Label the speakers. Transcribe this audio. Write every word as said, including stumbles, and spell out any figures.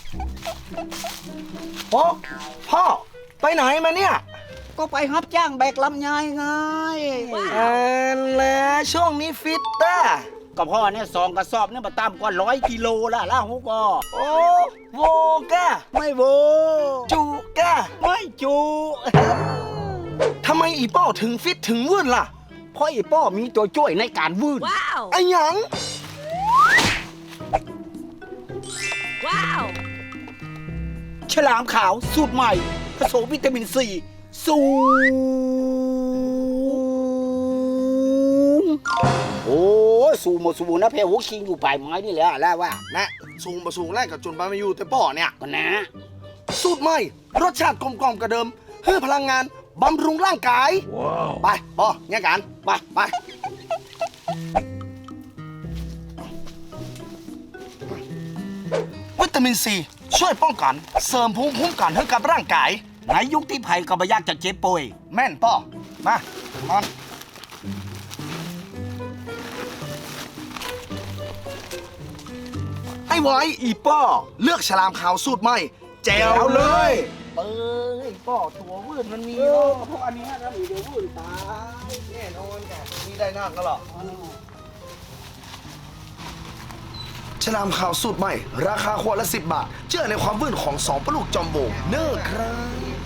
Speaker 1: โอ้พ่อไปไหนมาเนี่ย
Speaker 2: ก็ไปรับจ้างแบกลำไยไง
Speaker 1: อ่าแล้วช่วงนี้ฟิตต้า
Speaker 2: ก็พ่อเนี่ยสองกระสอบเนี่ยมาตามกว่าร้อยกิโลละล่าหูก็
Speaker 1: โอ้โวก้า
Speaker 2: ไม่โว
Speaker 1: จูก้า
Speaker 2: ไม่จู
Speaker 1: ทำไมอีป้อถึงฟิตถึงวื่นล่ะ
Speaker 2: เพราะอีป้อมีตัวช่วยในการวืด
Speaker 1: ไอ้หยัง
Speaker 2: ว้าวฉลามขาวสูตรใหม่ผสมวิตามินซีสูงโอ้สูงหมดสูงนะเพลหัวคิงอยู่ปลายไม้นี่แหละแล้วว่า
Speaker 1: นะสูงมาสูงแรกกับจนไปมาอยู่แต่ป้อเนี่ย
Speaker 2: ก็นะ
Speaker 1: สูตรใหม่รสชาติกลมกล่อมกว่าเดิมเพื่อพลังงานบำรุงร่างกายไปป้อเนี่ยกันไปไปวิตามินซีช่วยป้องกันเสริมภูมิคุ้มกันให้กับร่างกาย
Speaker 2: ในยุคที่ภัยก็ไม่ยากจะเจ็บป่วย
Speaker 1: แม่นป้อมามาไอ้ไว้อีป้อเลือกฉลามขาวสูตรใหม่แจ๋วเลย
Speaker 2: เอ้ยป้อตัววืดมันมีเนาะเพราะอันนี้ถ้ามีเดี๋ยววืดตาย
Speaker 1: แน่นอนแกมีได้นั่งก็หรอฉลามขาวสูตรใหม่ราคาขวดละสิบบาทเชื่อในความวื่นของสองปลาลูกจอมโบเนอร์ครับ